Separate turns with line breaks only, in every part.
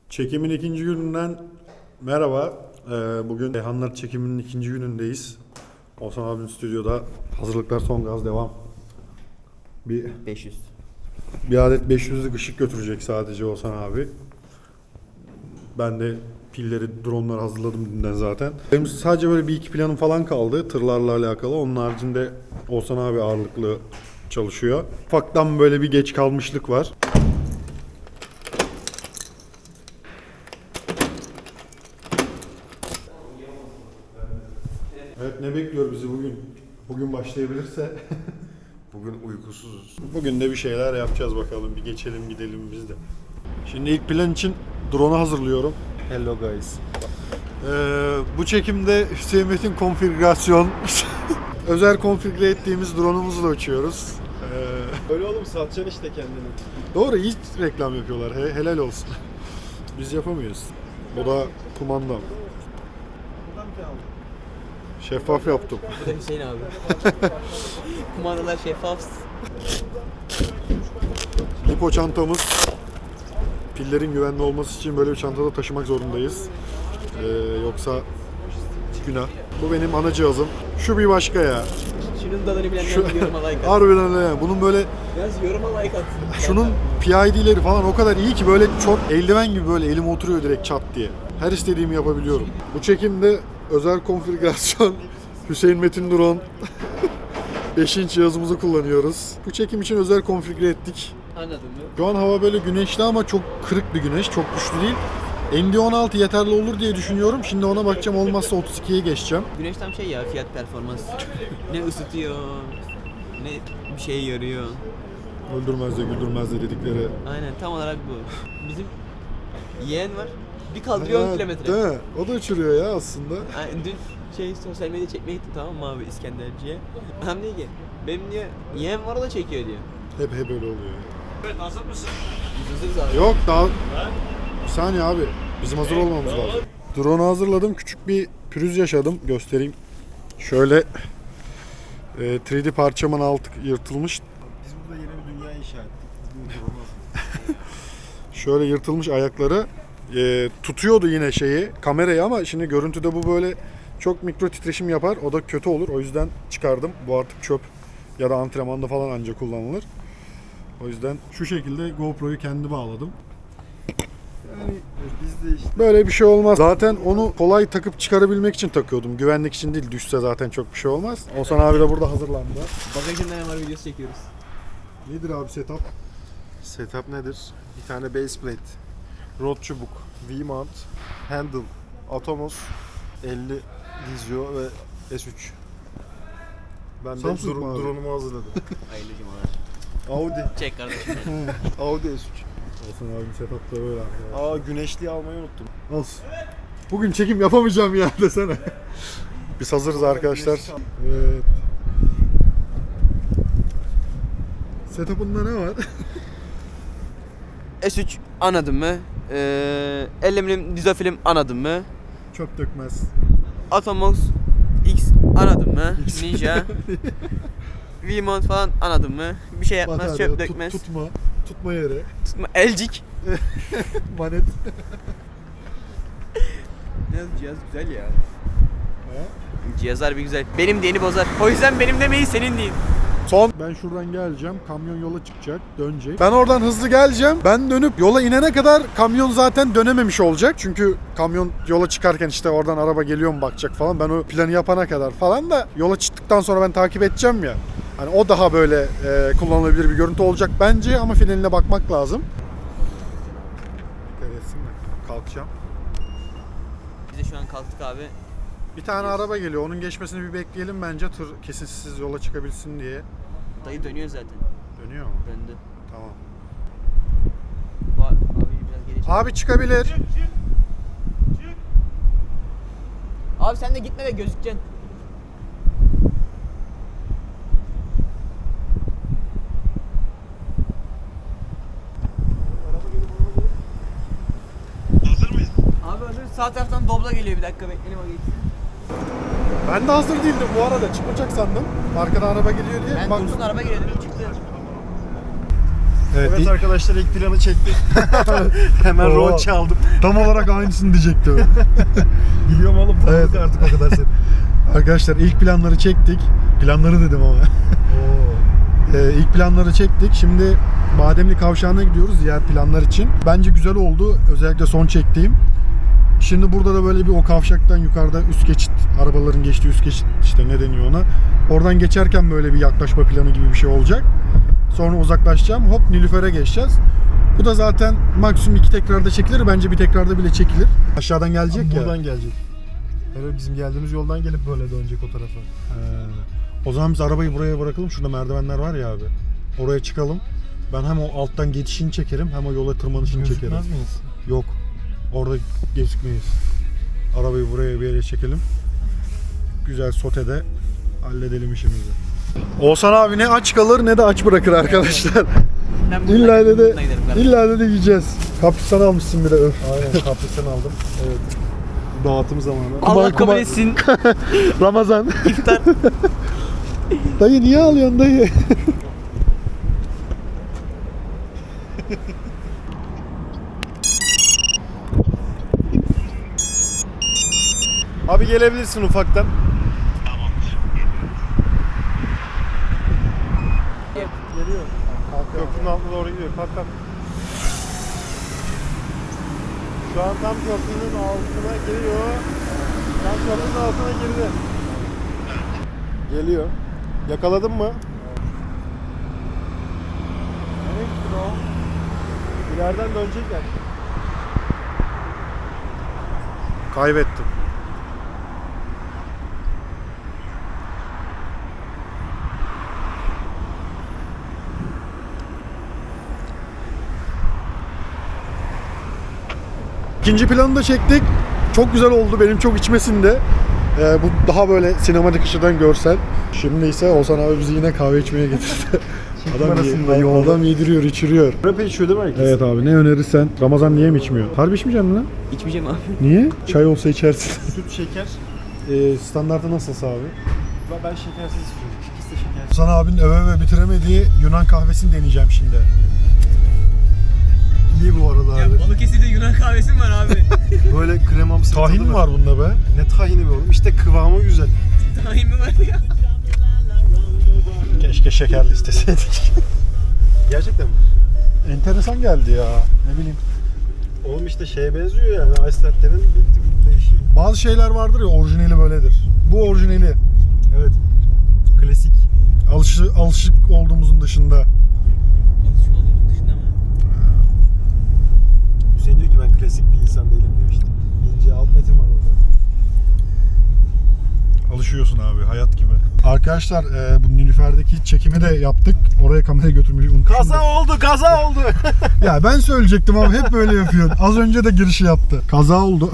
Çekimin ikinci gününden merhaba. Bugün Hanlar çekiminin ikinci günündeyiz. Oğuzhan abinin stüdyoda. Hazırlıklar son gaz devam.
500.
Bir adet 500'lük ışık götürecek sadece Oğuzhan abi. Ben de pilleri, dronları hazırladım dünden zaten. Benim sadece böyle bir iki planım falan kaldı tırlarla alakalı. Onun haricinde Oğuzhan abi ağırlıklı çalışıyor. Ufaktan böyle bir geç kalmışlık var. Evet, ne bekliyor bizi bugün? Bugün başlayabilirse.
Bugün uykusuzuz.
Bugün de bir şeyler yapacağız bakalım. Bir geçelim gidelim biz de. Şimdi ilk plan için drone'u hazırlıyorum.
Hello guys.
Bu çekimde Hüseyin Metin konfigürasyon özel konfigüre ettiğimiz drone'umuzla uçuyoruz.
Öyle oğlum satacaksın işte kendini.
Doğru, iyi reklam yapıyorlar. Helal olsun. Biz yapamıyoruz. O da kumandam. Şeffaf yaptım.
Bu da Hüseyin abi. Kumandalar şeffaf.
Lipo çantamız. Pillerin güvenli olması için böyle bir çantada taşımak zorundayız. Yoksa günah. Bu benim ana cihazım. Şu bir başka ya.
Şunun tadını bilenler yoruma like atsın.
Harbiden öyle yani. Bunun böyle
Biraz yoruma like atsın.
şunun PID'leri falan o kadar iyi ki böyle çok eldiven gibi böyle elime oturuyor direkt çat diye. Her istediğimi yapabiliyorum. Bu çekimde özel konfigürasyon Hüseyin Metin drone 5 inç cihazımızı kullanıyoruz. Bu çekim için özel konfigüre ettik.
Anladın mı?
Şu an hava böyle güneşli ama çok kırık bir güneş, çok güçlü değil. ND16 yeterli olur diye düşünüyorum. Şimdi ona bakacağım, olmazsa 32'ye geçeceğim.
Güneş tam şey ya, fiyat performans. Ne ısıtıyor, ne bir şey yarıyor.
Öldürmez de güldürmez de dedikleri.
Aynen, tam olarak bu. Bizim yeğen var. Bir kaldırıyor 10 kilometre.
Değil mi? O da uçuruyor ya aslında.
Yani dün sosyal medya çekmeye gittim, tamam mı abi, İskenderci'ye. Adam diyor ki benim diyor yeğen var, o da çekiyor diyor.
Hep öyle oluyor.
Evet, hazır mısın?
Biz hazırız abi.
Yok daha... Bir saniye abi. Bizim hazır olmamız lazım. Drone'u hazırladım. Küçük bir pürüz yaşadım. Göstereyim. Şöyle 3D parçamın altı yırtılmış.
Biz burada yeni bir dünya inşa ettik.
Şöyle yırtılmış ayakları. Tutuyordu yine şeyi, kamerayı, ama şimdi görüntüde bu böyle çok mikro titreşim yapar. O da kötü olur. O yüzden çıkardım. Bu artık çöp ya da antrenmanda falan ancak kullanılır. O yüzden şu şekilde GoPro'yu kendi bağladım.
Yani biz de işte
Böyle bir şey olmaz. Zaten onu kolay takıp çıkarabilmek için takıyordum. Güvenlik için değil. Düşse zaten çok bir şey olmaz. Oğuzhan abi de burada hazırlandı.
Bagajında ne var, videosu çekiyoruz.
Nedir abi setup?
setup nedir? Bir tane base plate, rod çubuk, V-mount, handle, Atomos, 50 Vizio ve S3. Ben de
Samsung mu abi?
drone'umu hazırladım.
Hayırlı cumalar.
Audi.
Çek kardeşim.
Audi S3.
Oğuzhan abinin setup da böyle arkadaşlar.
Aa, güneşliği almayı unuttum.
Olsun. Bugün çekim yapamayacağım ya desene. Biz hazırız arkadaşlar. Evet. Setup'ında ne var?
S3 anladın mı? 50 milim dizofilm anladın mı?
Çöp dökmez.
Atomos X anladın mı? Ninja. V-mount falan anladın mı? Bir şey yapmaz,
Batarya,
çöp dökmez.
tutma yeri,
Tutma, elcik.
manet.
Cihaz güzel ya. Cihazlar bir güzel. Benim diyeni bozar. O yüzden benim demeyi senin deyin.
Son. Ben şuradan geleceğim. Kamyon yola çıkacak. Dönecek. Ben oradan hızlı geleceğim. Ben dönüp yola inene kadar kamyon zaten dönememiş olacak. Çünkü kamyon yola çıkarken işte oradan araba geliyor mu bakacak falan. Ben o planı yapana kadar falan da yola çıktıktan sonra ben takip edeceğim ya. Hani o daha böyle kullanılabilir bir görüntü olacak bence, ama finaline bakmak lazım. Dikkat etsin de. Kalkacağım.
Biz de şu an kalktık abi.
Bir tane araba geliyor. Onun geçmesini bir bekleyelim bence. Tır kesintisiz yola çıkabilsin diye.
Dayı dönüyor zaten.
Dönüyor mu?
Döndü.
Tamam.
Abi biraz geri çek.
Abi çıkabilir.
Abi sen de gitme de gözükeceksin.
Hazır mıyız?
Abi hazır, sağ taraftan dobla geliyor, bir dakika bekleyelim, o geçsin.
Ben de hazır değildim bu arada. Çıkmayacak sandım. Arkada araba geliyor diye.
Ben
Bak,
dursun araba geliyor dedim, çıktı.
Evet arkadaşlar ilk planı çektik. Hemen
Oo.
rol çaldım.
Tam olarak aynısını diyecektim.
Biliyorum oğlum tanıdık
Evet.
artık o kadar seni.
Arkadaşlar ilk planları çektik. Planları dedim ama. İlk planları çektik. Şimdi Bademli Kavşağı'na gidiyoruz diğer planlar için. Bence güzel oldu. Özellikle son çektiğim. Şimdi burada da böyle bir o kavşaktan yukarıda üst geçit, arabaların geçtiği üst geçit işte ne deniyor ona. Oradan geçerken böyle bir yaklaşma planı gibi bir şey olacak. Sonra uzaklaşacağım. Hop Nilüfer'e geçeceğiz. Bu da zaten maksimum 2 tekrarda çekilir. Bence bir tekrarda bile çekilir. Aşağıdan gelecek ya.
Buradan gelecek. Evet bizim geldiğimiz yoldan gelip böyle dönecek o tarafa.
O zaman biz arabayı buraya bırakalım. Şurada merdivenler var ya abi. Oraya çıkalım. Ben hem o alttan geçişini çekerim hem o yola tırmanışını çekerim.
Gözükmez miyiz?
Yok. Orada gözükmeyiz. Arabayı buraya bir yere çekelim. Güzel sotede halledelim işimizi. Oğuzhan abi ne aç kalır ne de aç bırakır arkadaşlar.
Ben
İlla de
bununla giderim kardeşim.
illa de yiyeceğiz. Kaprisan almışsın bir de öf.
Aynen kaprisan aldım. Evet. Dağıtım zamanı.
Allah kabul
kumar.
etsin.
Ramazan.
İftar.
Dayı niye alıyorsun dayı?
Abi gelebilirsin ufaktan. Geliyor. Köprünün altına doğru gidiyor. Kalk kalk. Şu an tam köprünün altına giriyor. Tam köprünün altına girdi. Geliyor. Yakaladın mı? Nereye gittin o? İleriden dönecekler.
Kaybettim. İkinci planı da çektik. Çok güzel oldu. Benim çok içmesinde. Bu daha böyle sinematik açıdan görsel. Şimdi ise Oğuzhan abi bizi yine kahve içmeye getirdi.
arasında
adam yediriyor, içiriyor.
Rap'e içiyor değil mi herkes?
Evet abi ne önerirsen. Ramazan niye mi içmiyor? Harbi içmeyeceksin mi lan?
İçmeyeceğim abi.
Niye? Çay olsa içersin.
Süt, şeker.
Standartı nasılsa abi?
Ben şekersiz istiyorum. İkisi de şekersiz.
Oğuzhan abinin öve bitiremediği Yunan kahvesini deneyeceğim şimdi.
İyi bu arada abi.
Balıkesir'de Yunan kahvesi mi var abi?
Böyle kremamsı bir
Tahin
tadı
mi var bunda be?
Ne tahini be oğlum? İşte kıvamı güzel.
Tahin mi var ya?
Keşke şekerli isteseydik.
Gerçekten mi?
Enteresan geldi ya. Ne bileyim.
Oğlum işte şeye benziyor yani. Ice Latte'nin bir tık değişiği.
Bazı şeyler vardır ya orijinali böyledir. Bu orijinali.
Evet. Klasik.
Alışık olduğumuzun dışında.
Alışık olduğumuz dışında mı?
Hüseyin diyor ki ben klasik bir insan değilim diyor işte. İnce alt metin var orada.
Alışıyorsun abi hayat gibi. Arkadaşlar bu Nilüfer'deki çekimi de yaptık. Oraya kamerayı götürmeyi unutmuşum.
Kaza oldu, kaza oldu.
Ya ben söyleyecektim ama hep böyle yapıyorsun. Az önce de girişi yaptı. Kaza oldu.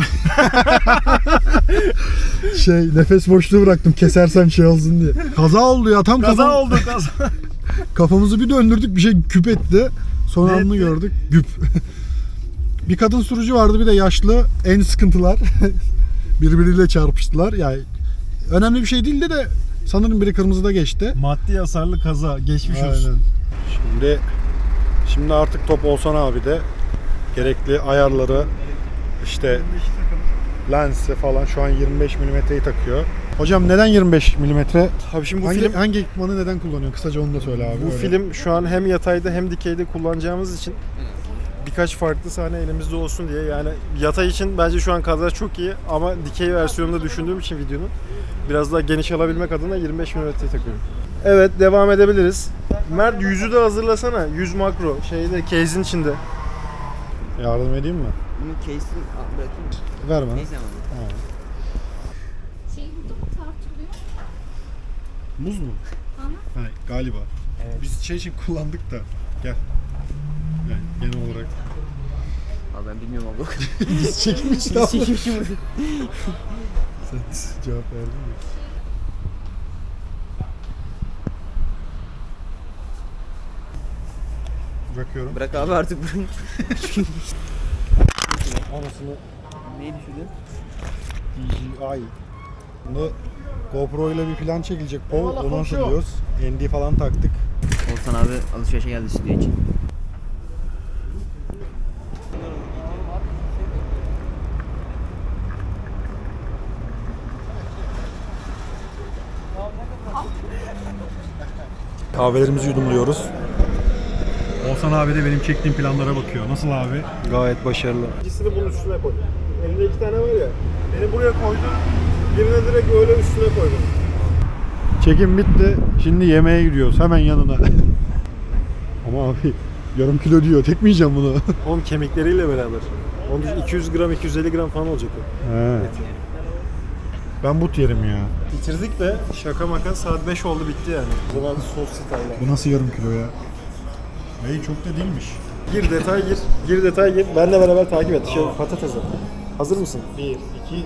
Nefes boşluğu bıraktım kesersem şey olsun diye. Kaza oldu ya tam
Kaza
kafam-
oldu, kaza.
Kafamızı bir döndürdük bir şey küp etti. Son
Ne
anını
etti?
gördük. Güp. Bir kadın sürücü vardı bir de yaşlı. En sıkıntılar. Birbiriyle çarpıştılar. Yani önemli bir şey değildi de sanırım biri kırmızıda geçti.
Maddi hasarlı kaza. Geçmiş olsun.
Aynen. Şimdi artık top Oğuzhan abi de gerekli ayarları işte lensi falan şu an 25 mm'yi takıyor. Hocam neden 25 mm?
Abi şimdi bu film
Hangi ekipmanı neden kullanıyorsun? Kısaca onu da söyle abi.
bu
öyle.
film şu an hem yatayda hem dikeyde kullanacağımız için birkaç farklı sahne elimizde olsun diye yani yatay için bence şu an kadar çok iyi ama dikey versiyonunda düşündüğüm için videonun biraz daha geniş alabilmek adına 25 mm takıyorum. Evet devam edebiliriz. Mert yüzü de hazırlasana. Yüz makro şeyde case'in içinde.
Yardım edeyim mi?
Bunun case'ini bırakayım mı?
Ver bana.
Neyse ama.
Ha.
Şey burada mı tartılıyor?
Muz mu?
Aha.
Ha, galiba.
Evet.
Biz şey için kullandık da. Gel. Yani genel olarak.
Abi ben bilmiyorum abi.
Biz çekmiştik
Biz çekmişim.
Sen cevap verdin mi? Bırakıyorum.
Bırak abi artık bırak.
Anasını
Neyi düşündün?
DJI. Bunu GoPro ile bir plan çekilecek. Onu hazırlıyoruz. ND falan taktık.
Oğuzhan abi alışverişe geldi stüdyo için.
Kahvelerimizi yudumluyoruz. Oğuzhan abi de benim çektiğim planlara bakıyor. Nasıl abi?
Gayet başarılı. İkisini bunun üstüne koy. Elinde 2 tane var ya. Beni buraya koydu. Birine direkt öyle üstüne koydum.
Çekim bitti. Şimdi yemeğe gidiyoruz. Hemen yanına. Ama abi yarım kilo diyor. Tek mi yiyeceğim bunu?
Oğlum kemikleriyle beraber. Onun 200 gram 250 gram falan olacak o.
He. Ben but yerim ya.
Bitirdik de şaka maka saat 5 oldu bitti yani. O zaman sos style.
Bu nasıl yarım kilo ya? Bey çok da değilmiş.
Gir detay gir. Gir detay gir. Benle beraber takip et. Patatesi. Hazır mısın?
1, 2, 3.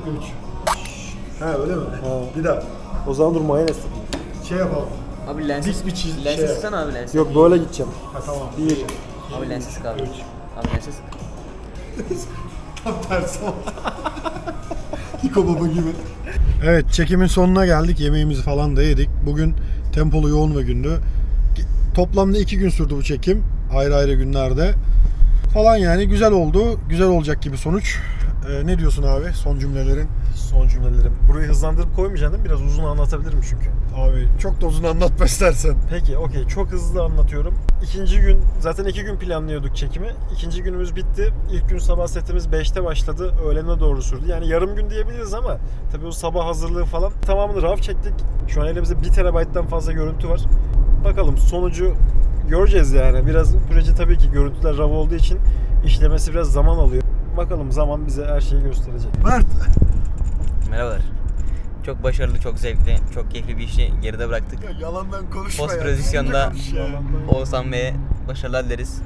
Ha öyle mi?
Ha.
Bir daha.
O zaman dur mayonez.
Şey yapalım.
Abi lensi
Dik bir çiz-
lensi
şey.
sıksana abi lensi.
Yok böyle gideceğim.
Ha tamam.
1.
Abi lensi sık abi. Abi lensi sık.
Tam tersi oldu. Hiko baba gibi. Evet, çekimin sonuna geldik. Yemeğimizi falan da yedik. Bugün tempolu yoğun bir gündü. Toplamda 2 gün sürdü bu çekim. Ayrı ayrı günlerde. Falan yani güzel oldu. Güzel olacak gibi sonuç. Ne diyorsun abi son cümlelerin?
Son cümlelerim. Burayı hızlandırıp koymayacaksın değil mi? Biraz uzun anlatabilirim çünkü.
Abi çok da uzun anlatma istersen.
Peki okey çok hızlı anlatıyorum. İkinci gün zaten 2 gün planlıyorduk çekimi. İkinci günümüz bitti. İlk gün sabah setimiz 5'te başladı. Öğlene doğru sürdü. Yani yarım gün diyebiliriz ama tabii o sabah hazırlığı falan tamamını RAW çektik. Şu an elimizde 1 TB'den fazla görüntü var. Bakalım sonucu göreceğiz yani. Biraz proje tabii ki görüntüler RAW olduğu için işlemesi biraz zaman alıyor. Bakalım zaman bize her şeyi gösterecek.
Mert.
Merhabalar. Çok başarılı, çok zevkli, çok keyifli bir işi geride bıraktık.
Ya, yalandan konuşma
Post
ya.
prodüksiyonda
Konuş ya.
Oğuzhan Bey'e başarılar dileriz.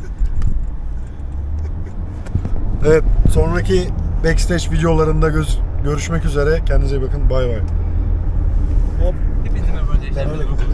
Evet, sonraki backstage videolarında görüşmek üzere. Kendinize iyi bakın. Bay bay.
Hepinize merhaba arkadaşlar.